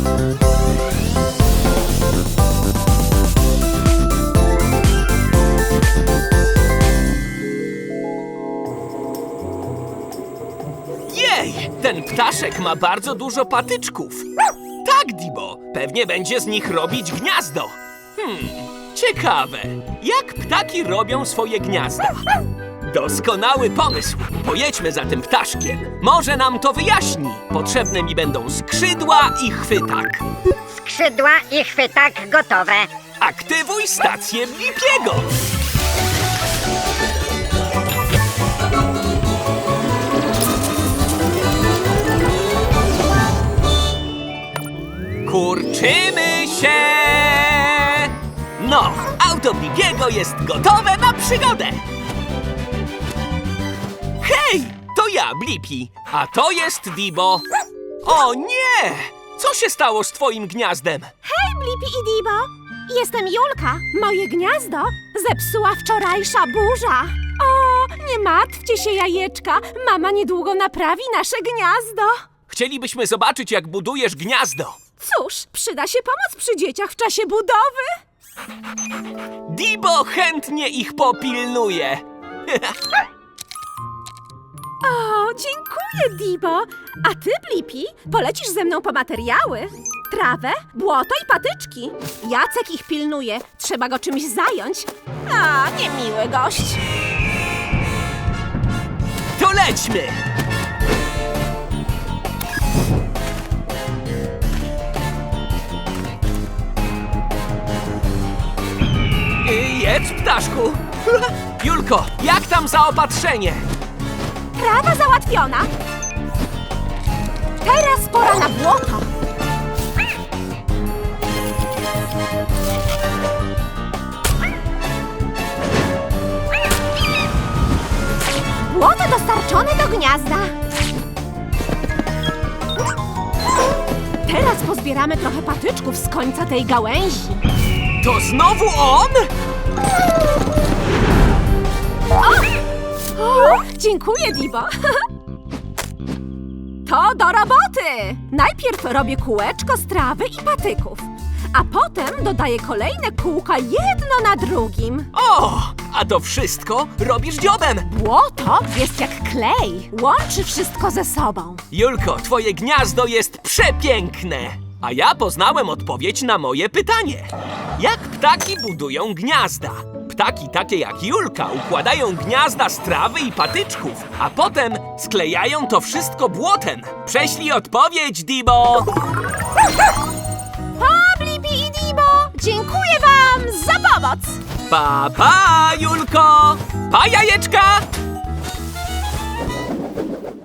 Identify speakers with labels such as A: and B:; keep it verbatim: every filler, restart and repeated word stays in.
A: Jej, ten ptaszek ma bardzo dużo patyczków. Tak, Dibo, pewnie będzie z nich robić gniazdo. Hmm, ciekawe, jak ptaki robią swoje gniazda? Doskonały pomysł. Pojedźmy za tym ptaszkiem. Może nam to wyjaśni. Potrzebne mi będą skrzydła i chwytak.
B: Skrzydła i chwytak gotowe.
A: Aktywuj stację Blipiego. Kurczymy się! No, auto Blipiego jest gotowe na przygodę. Hej, to ja, Blippi, a to jest Dibo. O nie! Co się stało z twoim gniazdem?
C: Hej, Blippi i Dibo! Jestem Julka. Moje gniazdo zepsuła wczorajsza burza. O, nie martwcie się, jajeczka. Mama niedługo naprawi nasze gniazdo.
A: Chcielibyśmy zobaczyć, jak budujesz gniazdo.
C: Cóż, przyda się pomoc przy dzieciach w czasie budowy.
A: Dibo chętnie ich popilnuje.
C: O, dziękuję, Dibo. A ty, Blippi, polecisz ze mną po materiały? Trawę, błoto i patyczki. Jacek ich pilnuje. Trzeba go czymś zająć. A, niemiły gość.
A: To lećmy! Y, Jedz, ptaszku. Julko, jak tam zaopatrzenie?
C: Trawa załatwiona. Teraz pora na błoto. Błoto dostarczone do gniazda. Teraz pozbieramy trochę patyczków z końca tej gałęzi.
A: To znowu on?
C: O, dziękuję, Dibo. To do roboty! Najpierw robię kółeczko z trawy i patyków, a potem dodaję kolejne kółka jedno na drugim.
A: O, a to wszystko robisz dziobem.
C: Błoto jest jak klej, łączy wszystko ze sobą.
A: Julko, twoje gniazdo jest przepiękne. A ja poznałem odpowiedź na moje pytanie. Jak ptaki budują gniazda? Ptaki takie jak Julka układają gniazda z trawy i patyczków, a potem sklejają to wszystko błotem. Prześlij odpowiedź, Dibo!
C: Pa, Blippi i Dibo! Dziękuję wam za pomoc!
A: Pa, pa, Julko! Pa, jajeczka!